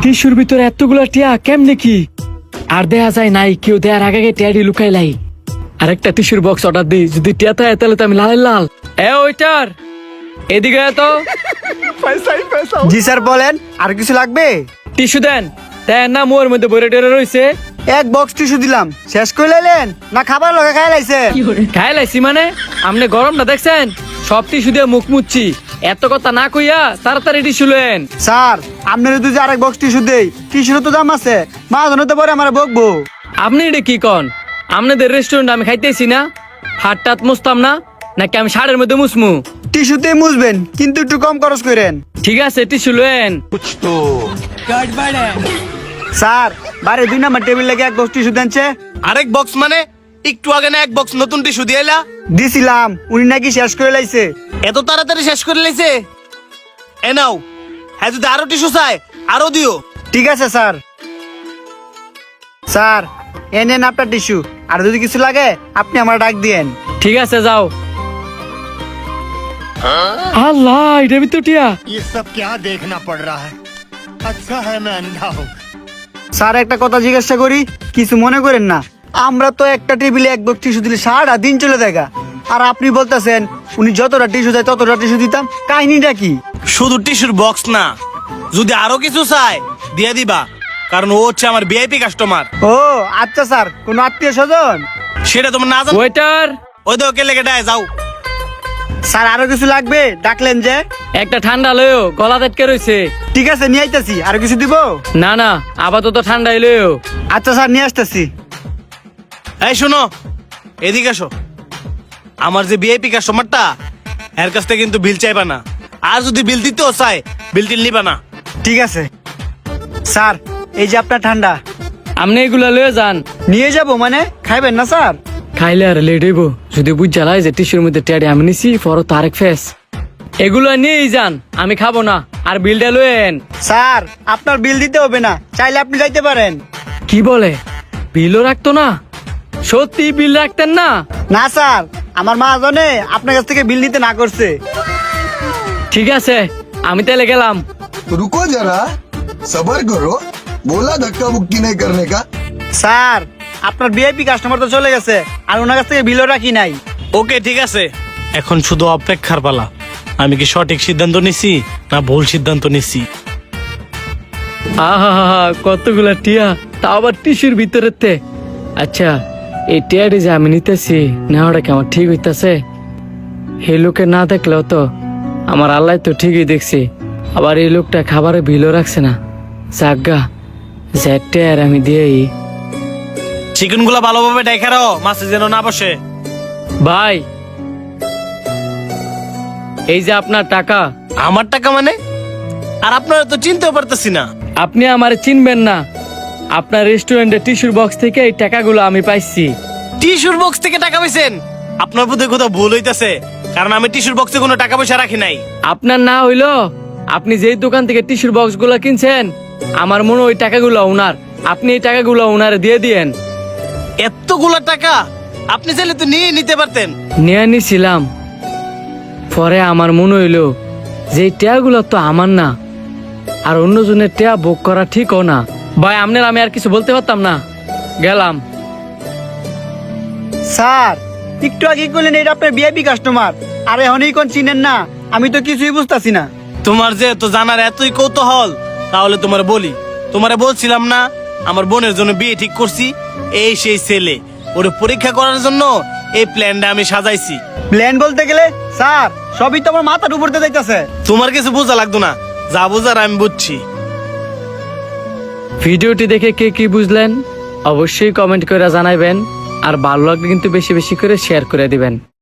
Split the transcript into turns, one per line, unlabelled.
টিস্যুর ভিতরে এতগুলা টিয়া কেমনে কি আর দেয়া যায় নাই, কেউ দেয়ার আগে টিয়াডি লুকাই লাই। আরেকটা টিস্যুর বক্স অর্ডার দিই, যদি টিয়া থাকে তাহলে তো আমি লাল লাল। ওইটার এদিকে তো
জি স্যার বলেন, আর কিছু লাগবে?
টিস্যু দেন। দেন না, মোর মধ্যে বইরে টেরে রয়েছে।
এক বক্স টিস্যু দিলাম, শেষ করে লাইলেন না খাবার লগে খাই লাইছে?
খাই লাইছি মানে? আপনি গরমটা দেখছেন? সব টিস্যু দিয়ে মুখ মুচ্ছি, এত কথা না কইয়া তাড়াতাড়ি টিস্যু লেন।
স্যার আপনার যদি আরেক বক্স টিস্যু দেই, টিস্যুর তো দাম আছে, মাজন হতে পারে আমার বকবো।
আপনি এটা কি কন? আপনাদের রেস্টুরেন্ট আমি খাইতেছি না, হাতটাত মুছতাম না নাকি আমি শাড়ির মধ্যে মুসমু?
টিস্যুতে মুছবেন কিন্তু একটু কম খরচ করেন।
ঠিক আছে টিস্যু লেন।
স্যার বাইরে 2 নাম্বার টেবিল লেগে এক বক্স টিস্যু দেনছে।
আরেক বক্স মানে? একটু আগে না এক বক্স নতুন টিস্যু দিয়ে এলা?
দিছিলাম, উনি নাকি শেষ করে লাইছে।
এত তাড়াতাড়ি শেষ করে লাইছে? এ নাও, হ্যাঁ যদি আরো টিস্যু চাই আরো দিও।
ঠিক আছে স্যার। স্যার এ নেন আপনার টিস্যু, আর যদি কিছু লাগে আপনি আমার ডাক দিয়েন।
ঠিক আছে যাও। আল্লাহ, এটা ভিতর টিয়া।
ये सब क्या देखना पड़ रहा है? अच्छा है मैं अंधा हूँ।
স্যার একটা কথা জিজ্ঞাসা করি, কিছু মনে করেন না। আমরা তো একটা টেবিলে এক বক্স টিস্যু দিলে সারাটা দিন চলে যায়, আর আপনি বলতেছেন উনি যতটা টিস্যু দেয় ততটা টিস্যু দিতাম। কাহিনীটা কি?
শুধু টিস্যুর বক্স না, যদি আরো কিছু চাই দিয়ে দিবা, কারণ ও হচ্ছে আমার ভিআইপি কাস্টমার।
ও আচ্ছা স্যার, কোন আত্মীয় স্বজন?
সেটা তোমার না জানো?
ওয়েটার,
ওই তো ওকে লেগে দেয়, যাও।
স্যার আরো কিছু লাগবে? ডাকলেন যে।
একটা ঠান্ডা লয়ও, গলা আটকে রয়েছে।
ঠিক আছে নিয়ে আইতাছি। আরো কিছু দিব?
না না, আপাতত ঠান্ডা লয়ও।
আচ্ছা স্যার নিয়ে আসতেছি।
এই শোনো, এদিকে আসো। আমার যে ভিআইপি কাস্টমারটা, এর কাছ থেকে কিন্তু বিল চাইবা না, আর যদি বিল দিতেও চাই বিল টিল নিবা না।
ঠিক আছে স্যার, এই যে আপনার ঠান্ডা।
আপনি এগুলা লয়ে যান।
নিয়ে যাব মানে? খাইবেন না স্যার?
খাইলে আর লেট হইব, যদি বুঝ জ্বালাই যে টিস্যুর মধ্যে টিয়াডি আমি নিছি, পরও তো আরেক ফেস। এগুলো নিয়েই যান, আমি খাবো না। আর বিলটা লয়েন।
স্যার আপনার বিল দিতে হবে না, চাইলে আপনি যাইতে পারেন।
কি বলে? বিলও রাখতো না? সত্যি বিল রাখতেন না?
না স্যার, আমার মা জানে আপনার কাছ থেকে বিল নিতে না করছে।
ঠিক আছে, আমি তাহলে গেলাম।
रुको जरा, सबर करो। बोला धक्का मुक्की नहीं करने का।
স্যার আপনার ভিআইপি কাস্টমার তো চলে গেছে, আর ওনার কাছ থেকে বিলও রাখি নাই।
ওকে ঠিক আছে, এখন শুধু অপেক্ষার পালা। আমি কি সঠিক সিদ্ধান্ত নিছি না ভুল সিদ্ধান্ত নিছি?
আহা, কতগুলা টিয়া, তা আবার টিস্যুর ভিতরেতে। আচ্ছা, এই টিয়াডি যে আমি নিতেছি, নেওয়াটা কি আমার ঠিক হইতাছে? এই লোকে না দেখলেও তো আমার আল্লাহ তো ঠিকই দেখছি। আবার এই লোকটা খাবারে বিলও রাখছে না। জাগা যে টিয়ার আমি দিয়েই।
চিকেন গুলা ভালোভাবে ডেকে রাখো, মাছে যেন না বসে।
ভাই, এই যে আপনার টাকা।
আমার টাকা মানে? আর আপনারা তো চিনতেও পারতেছি না।
আপনি আমার চিনবেন না? আপনার রেস্টুরেন্টের টিস্যুর বক্স থেকে এই টাকাগুলো আমি পাইছি।
টিস্যুর বক্স থেকে টাকা পাইছেন? আপনার বোধহয় কোথাও ভুল হইতাছে, কারণ আমি টিস্যুর বক্সে কোনো টাকা পয়সা রাখি নাই।
আপনার না হইলো, আপনি যেই দোকান থেকে টিস্যুর বক্স গুলো কিনছেন, আমার মনে হয় ওই টাকাগুলো ওনার। আপনি এই টাকাগুলো ওনারে দিয়ে দিয়েন।
এতগুলা টাকা আপনি চাইলে তো নিয়ে নিতে পারতেন।
নিয়ে নিছিলাম, পরে আমার মনে হইলো যে এই টেয়াগুলো তো আমার না, আর অন্যজনের টেয়া বুক করা ঠিকও না। ভাই আপনার আমি আর কিছু বলতে পারতাম না, গেলাম।
স্যার একটু আগে বললেন এটা আপনার ভিআইপি কাস্টমার, আর এখনই কোন চিনেন না? আমি তো কিছুই বুঝতাছি না।
তোমার যে তো জানার এতই কৌতূহল, তাহলে তোমার বলি। তোমারে বলছিলাম না আমার বোনের জন্য বিয়ে ঠিক করছি? এই সেই ছেলে, ওরে পরীক্ষা করার জন্য এই প্ল্যানটা আমি সাজাইছি।
প্ল্যান বলতে গেলে স্যার সবই তো আমার মাথার উপর দিয়ে যাইতাছে।
তোমার কিছু বোঝা লাগতো না, যা বোঝার আমি বুঝছি।
ভিডিওটি দেখে কে কি বুঝলেন অবশ্যই কমেন্ট করে জানাবেন, আর ভালো লাগলে কিন্তু বেশি বেশি করে শেয়ার করে দিবেন।